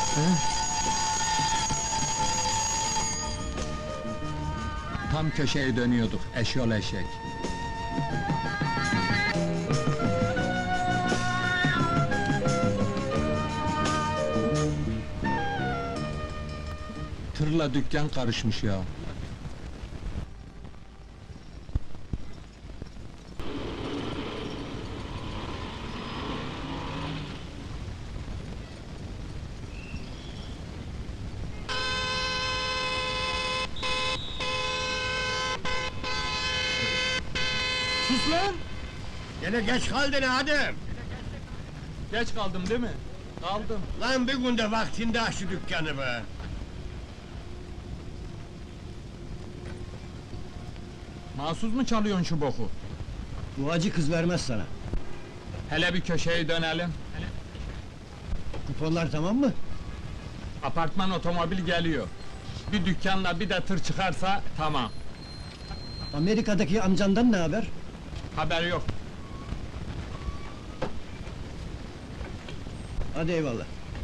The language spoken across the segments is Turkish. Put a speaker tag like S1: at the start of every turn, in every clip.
S1: Tam köşeye dönüyorduk, eşyol eşek. Tırla dükkan karışmış ya. Sus lan!
S2: Gene geç kaldın Adem!
S1: Geç kaldım değil mi? Kaldım.
S2: Lan bir günde vaktinde aç şu dükkanı be!
S1: Mahsus mu çalıyorsun şu boku?
S2: Bu acı kız vermez sana.
S1: Hele bir köşeye dönelim.
S2: Kuponlar tamam mı?
S1: Apartman otomobil geliyor. Bir dükkanla bir de tır çıkarsa tamam.
S2: Amerika'daki amcandan ne haber?
S1: Haber yok.
S2: Hadi eyvallah.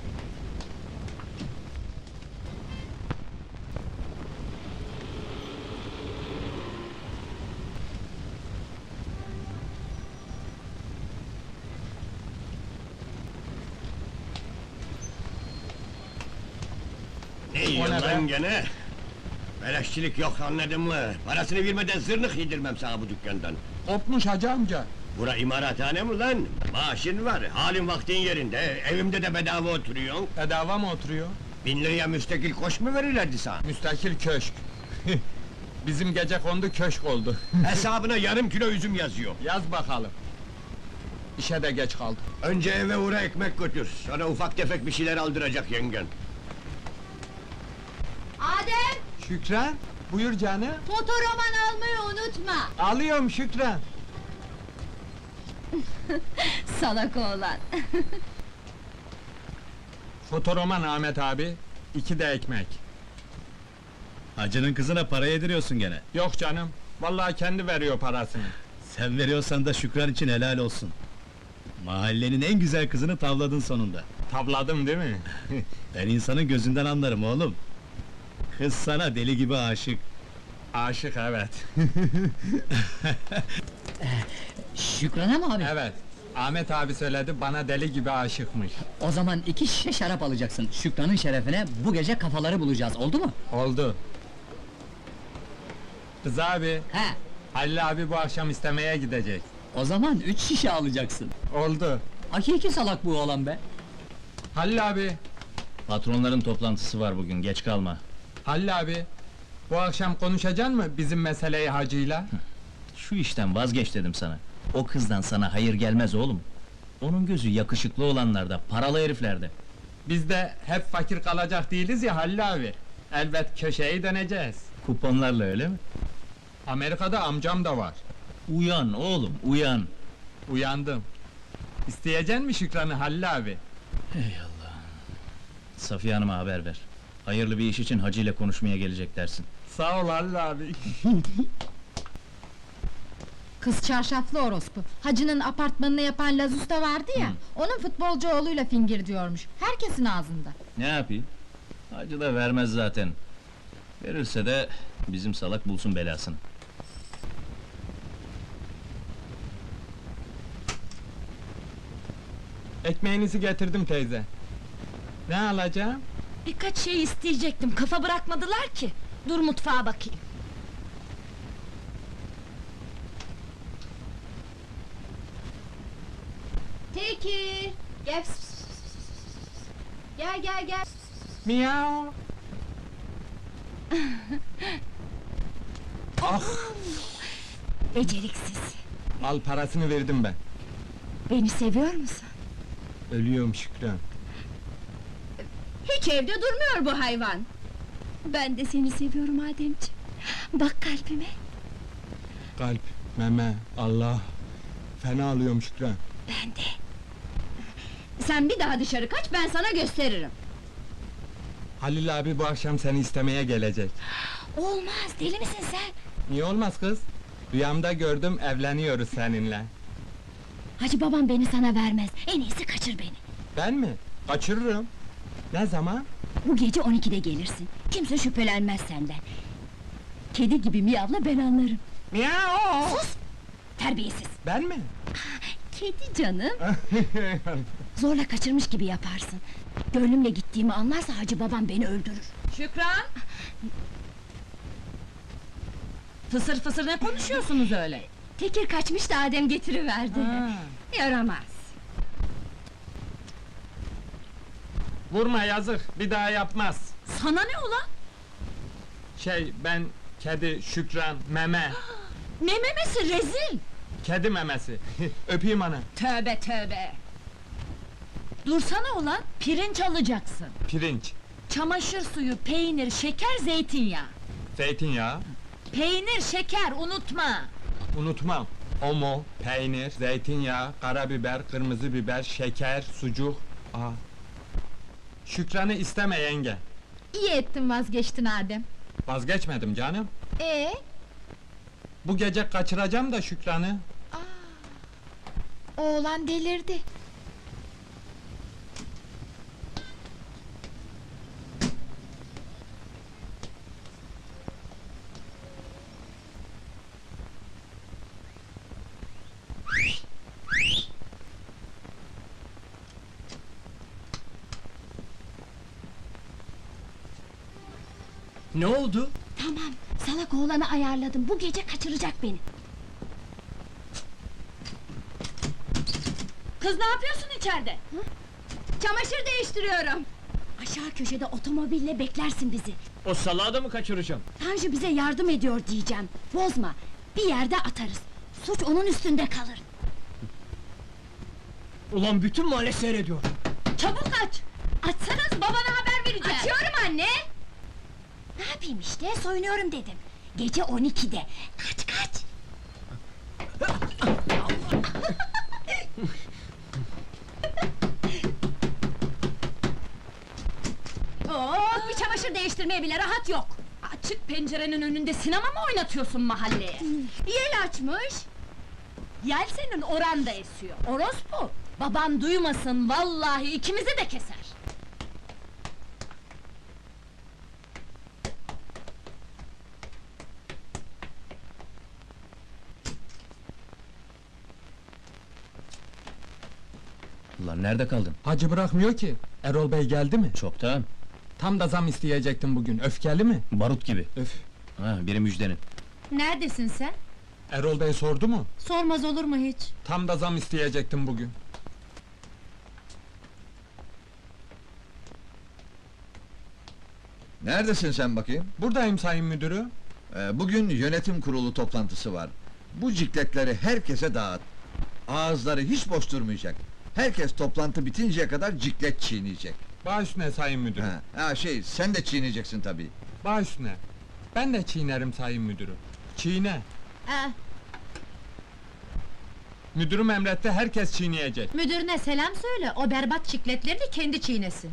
S2: Ne yiyorsun
S1: ne
S2: lan
S1: be?
S2: gene? Beleşçilik yok anladın mı? Parasını vermeden zırnık yedirmem sana bu dükkandan.
S1: Kopmuş hacı amca.
S2: Bura imarathane mi lan? Maaşın var, halin vaktin yerinde, evimde de bedava oturuyorsun.
S1: Bedava mı oturuyor?
S2: 1000 liraya müstakil koş mu verirlerdi sana?
S1: Müstakil köşk. Bizim gece kondu köşk oldu.
S2: Hesabına yarım kilo üzüm yazıyor.
S1: Yaz bakalım. İşe de geç kaldım.
S2: Önce eve uğra ekmek götür, sonra ufak tefek bir şeyler aldıracak yengen.
S3: Adem,
S1: Şükran, buyur canım.
S3: fotoroman almayı unutma.
S1: Alıyorum Şükran.
S3: Salak oğlan.
S1: Fotoroman Ahmet abi, 2 de ekmek.
S4: Hacının kızına para yediriyorsun gene.
S1: Yok canım, vallahi kendi veriyor parasını.
S4: Sen veriyorsan da Şükran için helal olsun. Mahallenin en güzel kızını tavladın sonunda.
S1: Tabladım değil mi?
S4: Ben insanın gözünden anlarım oğlum. Kız sana deli gibi aşık.
S1: Aşık evet.
S5: Şükran'a mı abi?
S1: Evet, Ahmet abi söyledi, bana deli gibi aşıkmış.
S5: O zaman 2 şişe şarap alacaksın. Şükran'ın şerefine bu gece kafaları bulacağız, oldu mu?
S1: Oldu. Kız abi,
S5: He,
S1: Halil abi bu akşam istemeye gidecek.
S5: o zaman 3 şişe alacaksın.
S1: Oldu.
S5: Hakiki salak bu oğlan be!
S1: Halil abi,
S4: Patronların toplantısı var bugün, geç kalma.
S1: Halil abi, bu akşam konuşacaksın mı bizim meseleyi hacıyla?
S4: Şu işten vazgeç dedim sana. O kızdan sana hayır gelmez oğlum. Onun gözü yakışıklı olanlarda, paralı heriflerde.
S1: Biz de hep fakir kalacak değiliz ya Halil abi. Elbet köşeyi döneceğiz.
S4: Kuponlarla öyle mi?
S1: Amerika'da amcam da var.
S4: Uyan oğlum, uyan!
S1: Uyandım. İsteyeceksin mi Şükran'ı Halil abi?
S4: Safiye Hanım'a haber ver. Hayırlı bir iş için Hacı ile konuşmaya gelecek dersin.
S1: Sağ ol Halil abi.
S3: Kız çarşaflı orospu. Hacı'nın apartmanını yapan Laz Usta vardı ya, onun futbolcu oğluyla fingir diyormuş. Herkesin ağzında.
S4: Ne yapayım? Hacı da vermez zaten. Verirse de bizim salak bulsun belasını.
S1: Ekmeğinizi getirdim teyze. Ne alacağım?
S6: Birkaç şey isteyecektim, kafa bırakmadılar ki. Dur mutfağa bakayım.
S3: Tekir, gel. Gel gel gel.
S1: Miau. Ah!
S6: Beceriksiz.
S1: Al parasını verdim ben.
S6: Beni seviyor musun?
S1: Ölüyorum Şükran.
S3: Hiç evde durmuyor bu hayvan.
S6: Ben de seni seviyorum Ademciğim. Bak kalbime.
S1: Kalp, meme, Allah. Fena alıyorum Şükran.
S6: Ben de.
S3: Sen bir daha dışarı kaç, ben sana gösteririm.
S1: Halil abi bu akşam seni istemeye gelecek.
S6: Olmaz, deli misin sen?
S1: Niye olmaz kız? Rüyamda gördüm, evleniyoruz seninle.
S6: Hacı babam beni sana vermez. En iyisi kaçır beni.
S1: Ben mi? Kaçırırım. Ne zaman?
S6: Bu gece 12'de gelirsin. Kimse şüphelenmez senden. Kedi gibi miyavla ben anlarım.
S1: Miau!
S6: Sus! Terbiyesiz!
S1: Ben mi?
S6: Kedi canım! Zorla kaçırmış gibi yaparsın. Gönlümle gittiğimi anlarsa hacı babam beni öldürür.
S7: Şükran! Fısır fısır ne konuşuyorsunuz öyle?
S6: Tekir kaçmış da Adem getiriverdi. Yaramaz!
S1: Vurma yazık, bir daha yapmaz.
S7: Sana ne ulan?
S1: Ben, kedi, Şükran, meme.
S7: Ne memesi rezil!
S1: Kedi memesi. Öpeyim ana.
S7: Tövbe tövbe! Dursana ulan, pirinç alacaksın.
S1: Pirinç,
S7: Çamaşır suyu, peynir, şeker, zeytinyağı.
S1: zeytinyağı,
S7: Peynir, şeker, unutma!
S1: unutmam. Omo, peynir, zeytinyağı, karabiber, kırmızı biber, şeker, sucuk. Aa. Şükran'ı isteme yenge.
S3: İyi ettin vazgeçtin Adem.
S1: Vazgeçmedim canım. Bu gece kaçıracağım da Şükran'ı.
S3: Oğlan delirdi.
S5: Ne oldu?
S6: Tamam, salak oğlanı ayarladım. Bu gece kaçıracak beni.
S7: Kız ne yapıyorsun içeride?
S6: Çamaşır değiştiriyorum. Aşağı köşede otomobille beklersin bizi.
S2: O salağı da mı kaçıracağım?
S6: Tanju bize yardım ediyor diyeceğim. Bozma, bir yerde atarız. Suç onun üstünde kalır.
S5: Ulan bütün mahalle seyrediyor.
S7: Çabuk aç! Açsanız babana haber vereceğim!
S6: Açıyorum anne! Ne yapayım işte, soyunuyorum dedim. Gece 12'de. Kaç kaç!
S7: Oh, bir çamaşır değiştirmeye bile rahat yok! Açık pencerenin önünde sinema mı oynatıyorsun mahalleye?
S6: Yel açmış!
S7: Yel senin oranda esiyor, orospu! Baban duymasın, vallahi ikimizi de keser!
S4: Ulan nerede kaldın?
S1: Hacı bırakmıyor ki. Erol Bey geldi mi?
S4: Çoktan.
S1: Tam da zam isteyecektim bugün. Öfkeli mi?
S4: Barut gibi.
S1: Öf.
S4: Ha, biri müjdenin.
S3: Neredesin sen?
S1: Erol Bey sordu mu?
S3: Sormaz olur mu hiç?
S1: Tam da zam isteyecektim bugün.
S8: Neredesin sen bakayım?
S1: Buradayım sayın müdürü.
S8: Bugün yönetim kurulu toplantısı var. Bu cikletleri herkese dağıt. Ağızları hiç boş durmayacak. Herkes toplantı bitinceye kadar ciklet çiğneyecek.
S1: Baş üstüne sayın müdürü.
S8: Sen de çiğneyeceksin tabii.
S1: Baş üstüne. Ben de çiğnerim sayın müdürü. Çiğne. Müdürüm emretti, herkes çiğneyecek.
S3: Müdürüne selam söyle, o berbat çikletlerini kendi çiğnesin.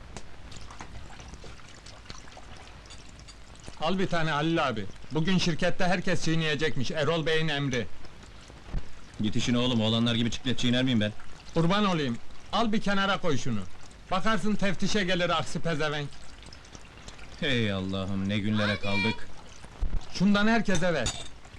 S1: Al bir tane Halil abi. Bugün şirkette herkes çiğneyecekmiş, Erol Bey'in emri.
S4: Git işine oğlum, oğlanlar gibi çiklet çiğner miyim ben?
S1: Kurban olayım, al bir kenara koy şunu. Bakarsın teftişe gelir aksi pezevenk.
S4: Hey Allah'ım, ne günlere kaldık.
S1: Şundan herkese ver.